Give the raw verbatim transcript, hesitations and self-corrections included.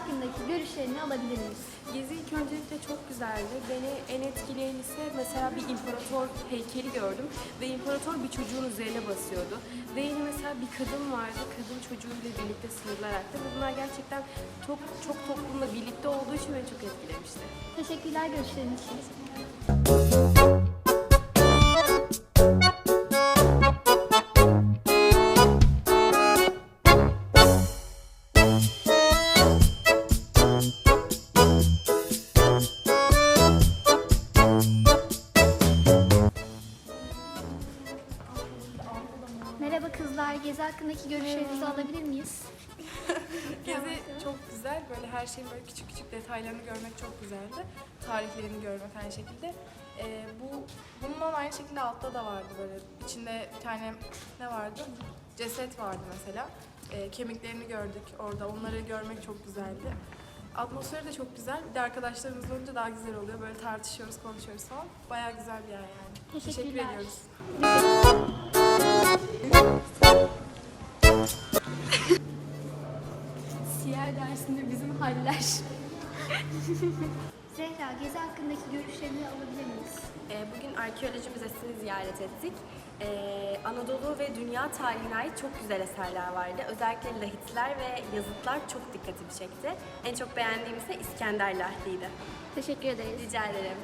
hakkındaki görüşlerini alabilir miyiz? Gezi ilk öncelikle çok güzeldi. Beni en etkileyen ise mesela bir imparator heykeli gördüm ve imparator bir çocuğun üzerine basıyordu. Ve yine mesela bir kadın vardı, kadın çocuğuyla birlikte sığırlarakta ve bunlar gerçekten çok çok toplumla birlikte olduğu için beni çok etkilemişti. Teşekkürler görüşleriniz için. Merhaba kızlar, Gezi hakkındaki görüşlerinizi alabilir miyiz? Gezi çok güzel. Böyle her şeyin böyle küçük küçük detaylarını görmek çok güzeldi. Tarihlerini görmek aynı şekilde. Ee, bu bundan aynı şekilde altta da vardı böyle. İçinde bir tane ne vardı? Ceset vardı mesela. Ee, kemiklerini gördük orada. Onları görmek çok güzeldi. Atmosferi de çok güzel. Bir de arkadaşlarımız olunca daha güzel oluyor. Böyle tartışıyoruz, konuşuyoruz falan. Bayağı güzel bir yer yani. Teşekkür Teşekkürler. ediyoruz. Siyer dersinde bizim haller. Zehra, Gezi hakkındaki görüşlerini alabilir miyiz? Ee, Bugün arkeoloji müzesini ziyaret ettik. Ee, Anadolu ve dünya tarihine ait çok güzel eserler vardı. Özellikle lahitler ve yazıtlar çok dikkatimi çekti. En çok beğendiğim ise İskender lahtiydi. Teşekkür ederiz. Rica ederim.